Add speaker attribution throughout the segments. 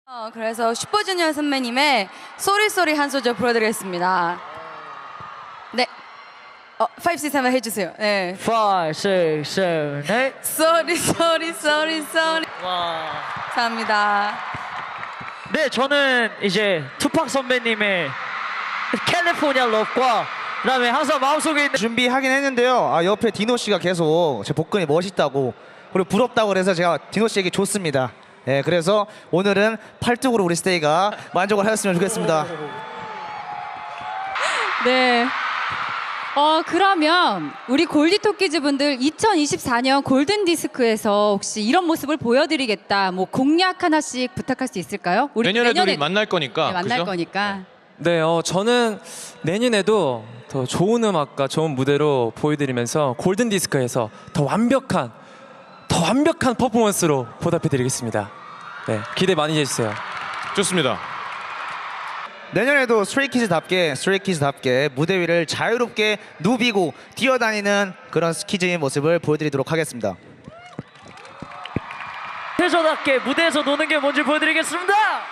Speaker 1: 그래서 슈퍼주니어 선배님의 쏘리쏘리 한 소절 불러드리겠습니다. 네. 5, 6, 7 해주세요. 네.
Speaker 2: 5, 6, 7, 8.
Speaker 1: 쏘리 쏘리 쏘리 쏘리.
Speaker 2: 와.
Speaker 1: 감사합니다.
Speaker 2: 네, 저는 이제 투팍 선배님의 캘리포니아 러브과 그다음에 항상 마음속에 있는
Speaker 3: 준비하긴 했는데요. 옆에 디노 씨가 계속 제 복근이 멋있다고 그리고 부럽다고 그래서 제가 디노 씨에게 줬습니다. 네, 그래서 오늘은 팔뚝으로 우리 스테이가 만족을 하였으면 좋겠습니다.
Speaker 4: 네. 그러면 우리 골디토끼즈 분들 2024년 골든디스크에서 혹시 이런 모습을 보여드리겠다, 뭐 공약 하나씩 부탁할 수 있을까요? 우리
Speaker 5: 내년에도 우리 만날 거니까.
Speaker 4: 네, 만날
Speaker 5: 그죠?
Speaker 4: 거니까.
Speaker 6: 네, 저는 내년에도 더 좋은 음악과 좋은 무대로 보여드리면서 골든 디스크에서 더 완벽한 퍼포먼스로 보답해드리겠습니다. 네, 기대 많이 해주세요.
Speaker 5: 좋습니다.
Speaker 3: 내년에도 스트레이키즈답게 무대 위를 자유롭게 누비고 뛰어다니는 그런 스키즈의 모습을 보여드리도록 하겠습니다.
Speaker 2: 태조답게 무대에서 노는 게 뭔지 보여드리겠습니다.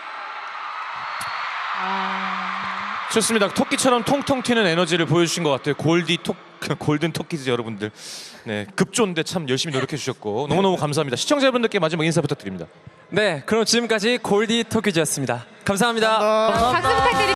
Speaker 5: 좋습니다. 토끼처럼 통통 튀는 에너지를 보여주신 것 같아요. 골든 토끼즈 여러분들. 네, 급조인데 참 열심히 노력해 주셨고 너무너무 감사합니다. 시청자분들께 마지막 인사 부탁드립니다.
Speaker 6: 네, 그럼 지금까지 골디 토끼즈였습니다. 감사합니다.
Speaker 3: 감사합니다.
Speaker 4: 박수 부탁드립니다.